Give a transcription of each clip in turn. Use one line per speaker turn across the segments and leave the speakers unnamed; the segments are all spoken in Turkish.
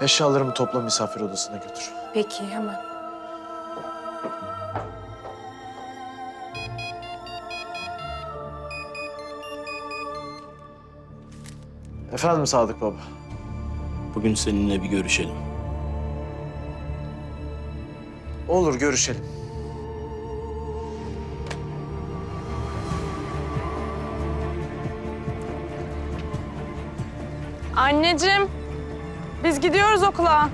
Eşyalarımı topla, misafir odasına götür.
Peki, hemen.
Efendim Sadık Baba.
Bugün seninle bir görüşelim.
Olur, görüşelim.
Anneciğim, biz gidiyoruz okula.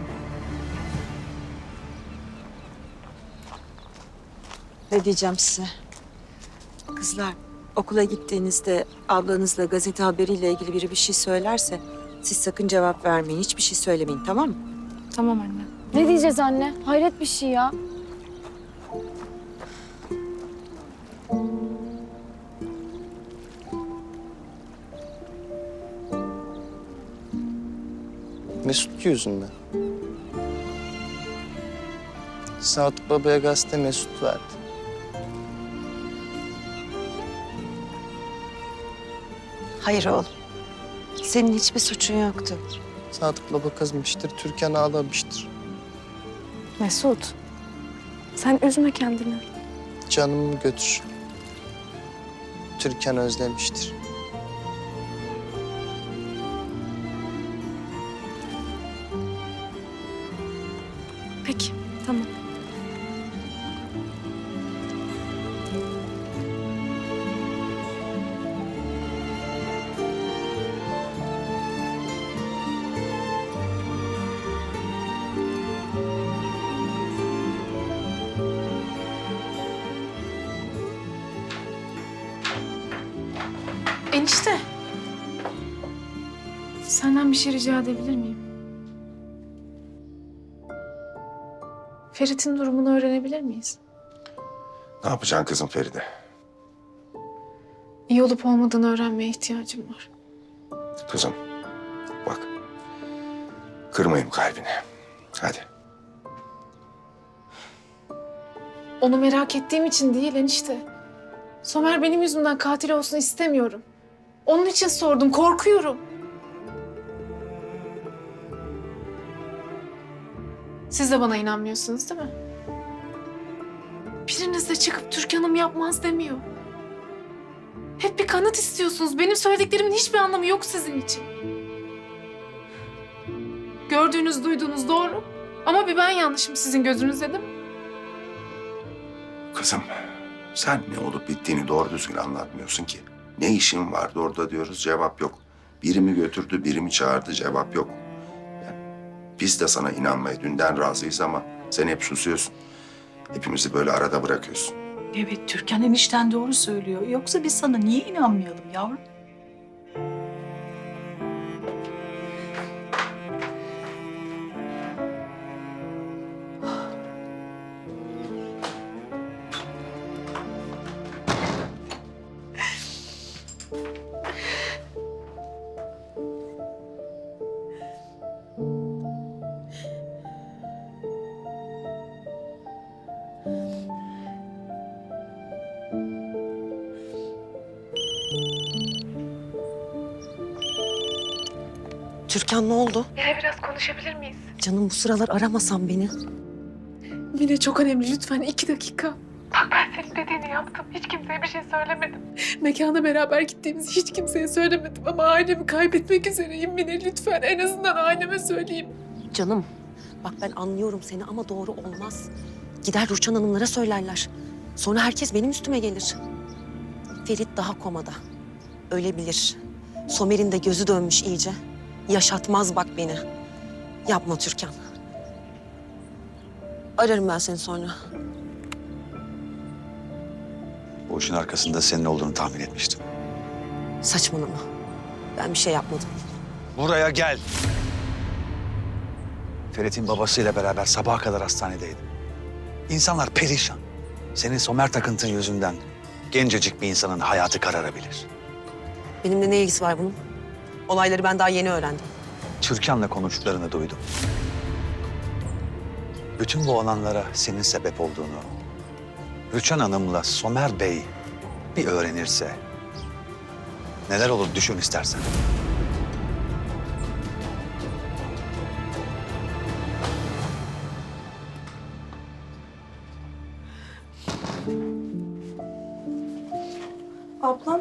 Ne diyeceğim size? Kızlar, okula gittiğinizde ablanızla gazete haberiyle ilgili biri bir şey söylerse siz sakın cevap vermeyin. Hiçbir şey söylemeyin, tamam mı?
Tamam anne.
Ne diyeceğiz anne? Hayret bir şey ya.
Mesut yüzünden. Sadık Baba'ya gazete Mesut verdi.
Hayır oğlum. Senin hiçbir suçun yoktu.
Sadık Baba kızmıştır, Türkan ağlamıştır.
Mesut, sen üzme kendini.
Canımı götür. Türkan özlemiştir.
Peki, tamam.
Enişte. Senden bir şey rica edebilir miyim? Ferit'in durumunu öğrenebilir miyiz?
Ne yapacaksın kızım Feride?
İyi olup olmadığını öğrenmeye ihtiyacım var.
Kızım bak, kırmayayım kalbini. Hadi.
Onu merak ettiğim için değil enişte. Somer benim yüzümden katil olsun istemiyorum. Onun için sordum, korkuyorum. Siz de bana inanmıyorsunuz değil mi? Biriniz de çıkıp Türkan'ım yapmaz demiyor. Hep bir kanıt istiyorsunuz. Benim söylediklerimin hiçbir anlamı yok sizin için. Gördüğünüz, duyduğunuz doğru. Ama bir ben yanlışım sizin gözünüzde değil mi?
Kızım sen ne olup bittiğini doğru düzgün anlatmıyorsun ki. Ne işin vardı orada diyoruz, cevap yok. Biri mi götürdü, biri mi çağırdı, cevap yok. Yani biz de sana inanmaya dünden razıyız ama sen hep susuyorsun. Hepimizi böyle arada bırakıyorsun.
Evet, Türkan enişten doğru söylüyor. Yoksa biz sana niye inanmayalım yavrum?
Türkan ne oldu?
Yine biraz konuşabilir miyiz?
Canım bu sıralar aramasan beni.
Mine çok önemli lütfen 2 dakika. Bak ben senin dediğini yaptım. Hiç kimseye bir şey söylemedim. Mekana beraber gittiğimizi hiç kimseye söylemedim. Ama ailemi kaybetmek üzereyim Mine lütfen. En azından aileme söyleyeyim.
Canım bak ben anlıyorum seni ama doğru olmaz. Gider Rüçhan Hanımlara söylerler. Sonra herkes benim üstüme gelir. Ferit daha komada. Ölebilir. Somer'in de gözü dönmüş iyice. Yaşatmaz bak beni. Yapma Türkan. Ararım ben seni sonra.
Bu işin arkasında senin olduğunu tahmin etmiştim.
Saçmalama. Ben bir şey yapmadım.
Buraya gel. Ferit'in babasıyla beraber sabaha kadar hastanedeydim. İnsanlar perişan. Senin Somer takıntın yüzünden gencecik bir insanın hayatı kararabilir.
Benimle ne ilgisi var bunun? Olayları ben daha yeni öğrendim.
Türkan'la konuştuklarını duydum. Bütün bu olanlara senin sebep olduğunu, Rüçhan Hanım'la Somer Bey bir öğrenirse neler olur düşün istersen.
Ablam.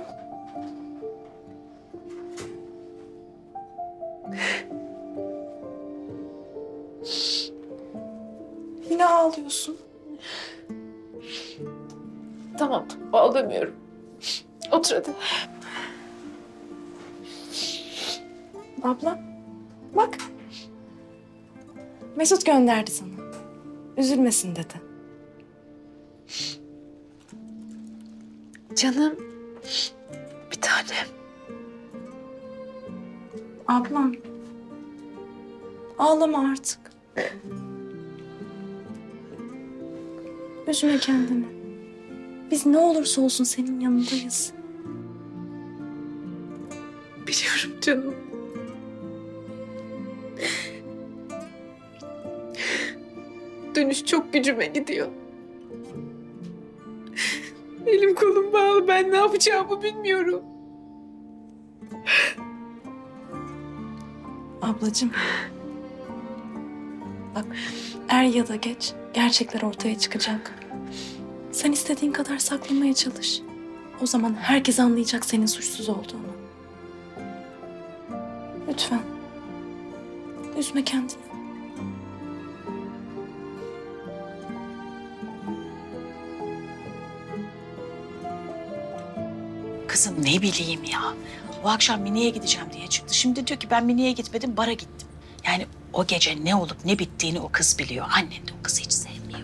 Yine ağlıyorsun.
Tamam, ağlamıyorum. Otur hadi.
Abla, bak. Mesut gönderdi sana. Üzülmesin dedi.
Canım, bir tanem.
Ablam. Ağlama artık. Üzme kendini. Biz ne olursa olsun senin yanındayız.
Biliyorum canım. Dönüş çok gücüme gidiyor. Elim kolum bağlı. Ben ne yapacağımı bilmiyorum.
Ablacığım. Bak, er ya da geç gerçekler ortaya çıkacak. Sen istediğin kadar saklamaya çalış. O zaman herkes anlayacak senin suçsuz olduğunu. Lütfen. Üzme kendini.
Kızım ne bileyim ya. O akşam Mine'ye gideceğim diye çıktı. Şimdi diyor ki ben Mine'ye gitmedim, bara gittim. Yani o gece ne olup ne bittiğini o kız biliyor. Annen de o kızı hiç sevmiyor.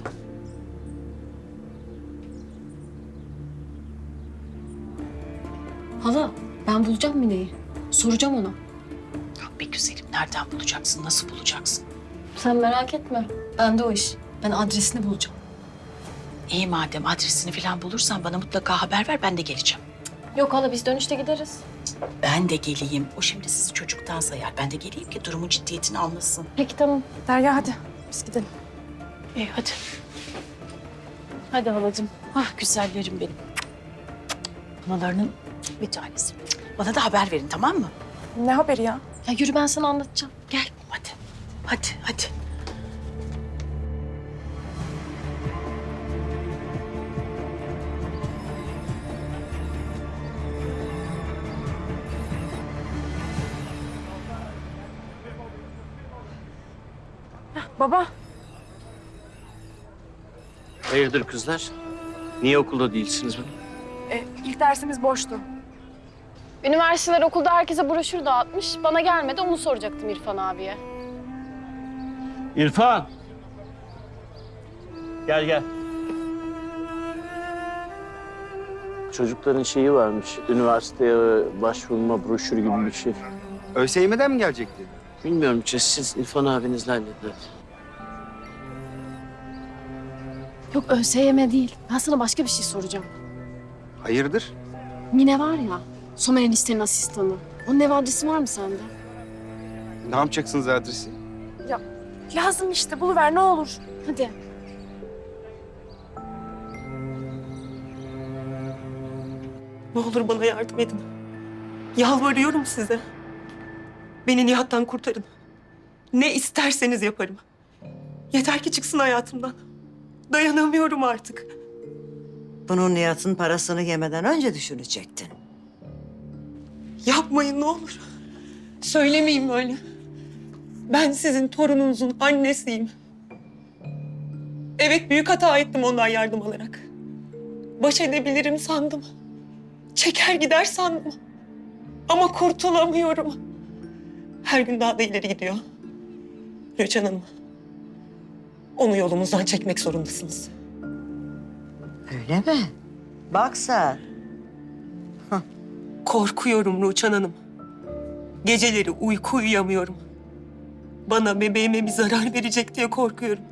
Hala ben bulacağım Mine'yi. Soracağım ona.
Ya be güzelim, nereden bulacaksın, nasıl bulacaksın?
Sen merak etme. Bende o iş. Ben adresini bulacağım.
İyi madem adresini falan bulursan bana mutlaka haber ver, ben de geleceğim.
Yok hala biz dönüşte gideriz.
Ben de geleyim. O şimdi sizi çocuktan sayar. Ben de geleyim ki durumun ciddiyetini anlasın.
Peki tamam.
Derya hadi biz gidelim.
İyi hadi.
Hadi halacığım.
Ah güzellerim benim. Analarının bir tanesi. Bana da haber verin, tamam mı?
Ne haberi ya?
Ya yürü ben sana anlatacağım.
Gel hadi. Hadi hadi.
Baba.
Hayırdır kızlar? Niye okulda değilsiniz bugün?
İlk dersimiz boştu.
Üniversiteler okulda herkese broşür dağıtmış. Bana gelmedi onu soracaktım İrfan abiye.
İrfan! Gel gel. Çocukların şeyi varmış, üniversiteye başvurma broşürü gibi bir şey.
ÖSYM'den mi gelecekti?
Bilmiyorum, siz İrfan abinizle halledin.
Yok ÖSYM değil. Ben sana başka bir şey soracağım.
Hayırdır?
Mine var ya, Somer eniştenin asistanı. Onun ev adresi var mı sende?
Ne yapacaksınız adresi?
Lazım işte buluver ne olur.
Hadi.
Ne olur bana yardım edin. Yalvarıyorum size. Beni Nihat'tan kurtarın. Ne isterseniz yaparım. Yeter ki çıksın hayatımdan. Dayanamıyorum artık.
Bunun Nihat'ın parasını yemeden önce düşünecektin.
Yapmayın ne olur. Söylemeyin böyle. Ben sizin torununuzun annesiyim. Evet büyük hata ettim ondan yardım alarak. Baş edebilirim sandım. Çeker gider sandım. Ama kurtulamıyorum. Her gün daha da ileri gidiyor. Rüçhan Hanım, onu yolumuzdan çekmek zorundasınız.
Öyle mi? Bak sen.
Korkuyorum Rüçhan Hanım. Geceleri uyku uyuyamıyorum. Bana bebeğime bir zarar verecek diye korkuyorum.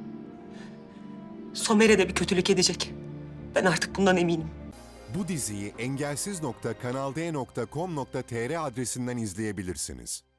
Somer'e de bir kötülük edecek. Ben artık bundan eminim.
Bu diziyi engelsiz.kanalde.com.tr adresinden izleyebilirsiniz.